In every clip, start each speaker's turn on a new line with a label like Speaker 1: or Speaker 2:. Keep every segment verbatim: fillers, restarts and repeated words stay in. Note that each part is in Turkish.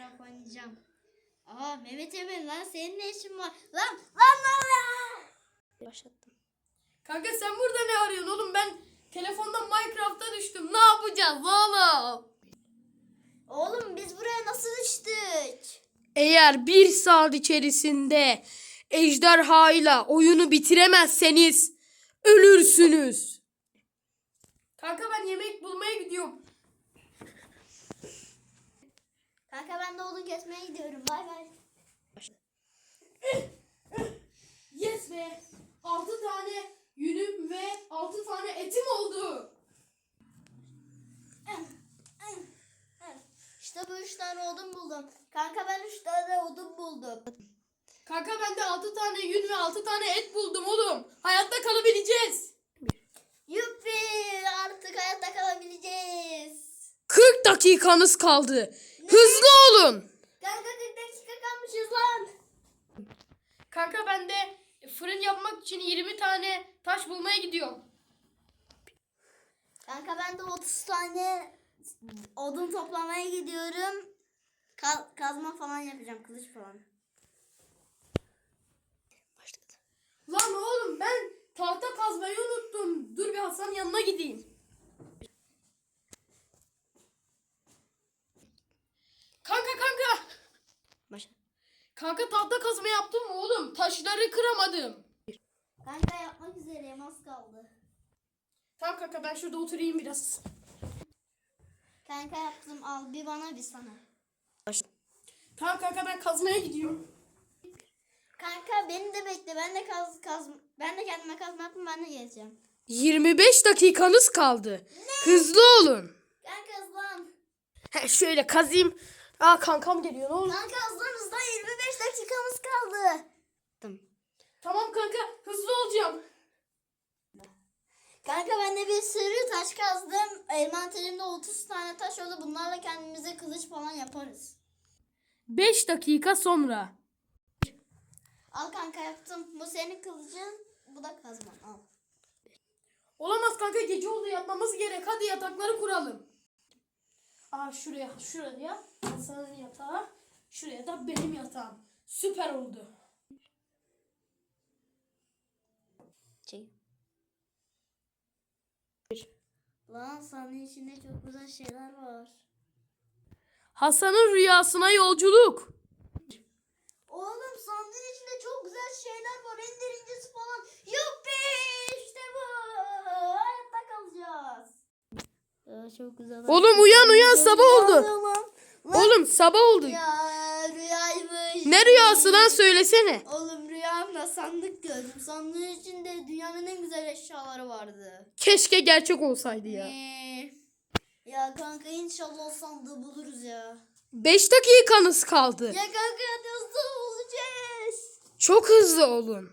Speaker 1: Minecraft oynayacağım. Aa Mehmet Emin lan senin ne işin var? Lan lan lan lan. Başlattım.
Speaker 2: Kanka sen burada ne arıyorsun oğlum? Ben telefondan Minecraft'a düştüm. Ne yapacağız oğlum?
Speaker 1: Oğlum biz buraya nasıl düştük?
Speaker 2: Eğer bir saat içerisinde ejderhayla oyunu bitiremezseniz ölürsünüz. Kanka ben yemek bulmaya gidiyorum.
Speaker 1: Kanka ben de odun kesmeye gidiyorum. Bay bay.
Speaker 2: Yes be. altı tane yünüm ve altı tane etim oldu.
Speaker 1: İşte bu üç tane odun buldum. Kanka ben üç tane odun buldum.
Speaker 2: Kanka ben de altı tane yün ve altı tane et buldum oğlum. Hayatta kalabileceğiz.
Speaker 1: Yuppi artık hayatta kalabileceğiz.
Speaker 2: kırk dakikanız kaldı. Hızlı olun.
Speaker 1: Kanka kırk dakika kalmışız lan.
Speaker 2: Kanka ben de fırın yapmak için yirmi tane taş bulmaya gidiyorum.
Speaker 1: Kanka ben de otuz tane odun toplamaya gidiyorum. Ka- kazma falan yapacağım, kılıç falan. Başladı.
Speaker 2: Lan oğlum ben tahta kazmayı unuttum. Dur bir Hasan'ın yanına gideyim. Kanka kanka.
Speaker 1: Başladı.
Speaker 2: Kanka tahta kazma yaptım mı oğlum? Taşları kıramadım.
Speaker 1: Kanka yapmak üzereyim, az kaldı.
Speaker 2: Tamam kanka ben şurada oturayım biraz.
Speaker 1: Kanka yaptım, al bir bana bir sana.
Speaker 2: Tamam kanka ben kazmaya gidiyorum.
Speaker 1: Kanka beni de bekle, ben de kaz kaz ben de kendime kazma yapayım, ben de geleceğim.
Speaker 2: yirmi beş dakikanız kaldı. Hızlı olun.
Speaker 1: Kanka hızlan.
Speaker 2: He, şöyle kazayım. Aa kankam geliyor ne olur.
Speaker 1: Kanka hızlan hızlan, yirmi beş dakikamız kaldı. Tamam.
Speaker 2: Tamam kanka hızlı olacağım.
Speaker 1: Kanka ben de bir sürü taş kazdım. Envanterimde otuz tane taş oldu. Bunlarla kendimize kılıç falan yaparız.
Speaker 2: beş dakika sonra.
Speaker 1: Al kanka yaptım. Bu senin kılıcın. Bu da kazman. Al.
Speaker 2: Olamaz kanka gece oldu yatmamız gerek. Hadi yatakları kuralım. Aa şuraya şuraya Hasan'ın yatağı. Şuraya da benim yatağım. Süper oldu.
Speaker 1: Çek. Lan sahne içinde çok güzel şeyler var.
Speaker 2: Hasan'ın rüyasına yolculuk.
Speaker 1: Oğlum sandığın içinde çok güzel şeyler var. En derincisi falan. Yuppi işte bu. Hayatta kalacağız. Ya, çok güzel.
Speaker 2: Oğlum uyan uyan sabah oldu.
Speaker 1: Lan.
Speaker 2: Oğlum sabah oldu.
Speaker 1: Ya rüyaymış.
Speaker 2: Ne rüyası lan söylesene.
Speaker 1: Oğlum rüyamda sandık gördüm. Sandığın içinde dünyanın en güzel eşyaları vardı.
Speaker 2: Keşke gerçek olsaydı ya.
Speaker 1: Ee, ya kanka inşallah o sandığı buluruz ya.
Speaker 2: beş dakikanız kaldı.
Speaker 1: Ya kanka hadi hızlı bulacağız.
Speaker 2: Çok hızlı olun.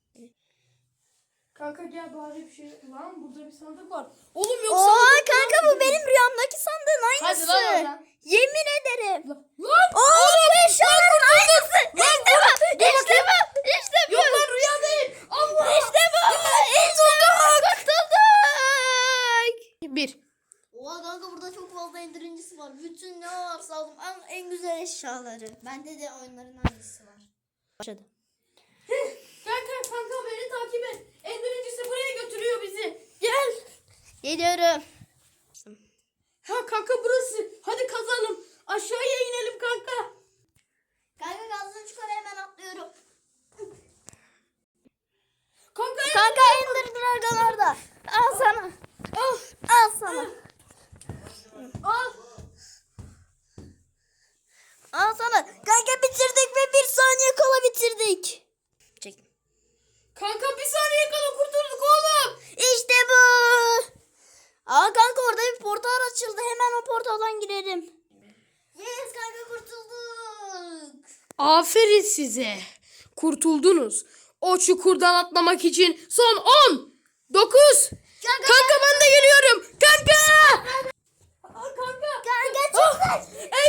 Speaker 2: Kanka gel bari bir şey. Lan burada bir sandık var. Oğlum yoksa...
Speaker 1: Oha kanka bu benim rüyamdaki sandığın aynısı.
Speaker 2: Hadi lan oradan.
Speaker 1: Yemin ederim.
Speaker 2: Lan!
Speaker 1: Oğlum eşyaların aynısı. İşte bu. İşte bu. İşte bu.
Speaker 2: Yok lan rüya değil. Allah!
Speaker 1: İşte bu. İşte bu. Kurtulduk.
Speaker 2: Bir.
Speaker 1: Oha kanka burada çok fazla indirincisi var. Bütün ne varsa aldım. En, en güzel eşyaları. Bende de oyunların aynısı var. Başladı.
Speaker 2: Kanka kanka beni takip et. En birincisi buraya götürüyor bizi. Gel.
Speaker 1: Geliyorum.
Speaker 2: Ha kanka burası. Hadi kazalım. Aşağıya inelim kanka.
Speaker 1: Kanka gazdan çıkar, hemen atlıyorum.
Speaker 2: Kanka
Speaker 1: Kanka Ender Dragon orada. Al sana.
Speaker 2: al.
Speaker 1: Al sana.
Speaker 2: Al.
Speaker 1: Al sana. Kanka bitirdik ve bir saniye kala bitirdik. Çek.
Speaker 2: Kanka bir saniye kala kurtulduk oğlum.
Speaker 1: İşte bu. Aa kanka orada bir portal açıldı. Hemen o portaldan girelim. Yes kanka kurtulduk.
Speaker 2: Aferin size. Kurtuldunuz. O çukurdan atlamak için son on, dokuz.
Speaker 1: Kanka,
Speaker 2: Kanka ben de geliyorum. Kanka. Aa, kanka.
Speaker 1: Kanka çok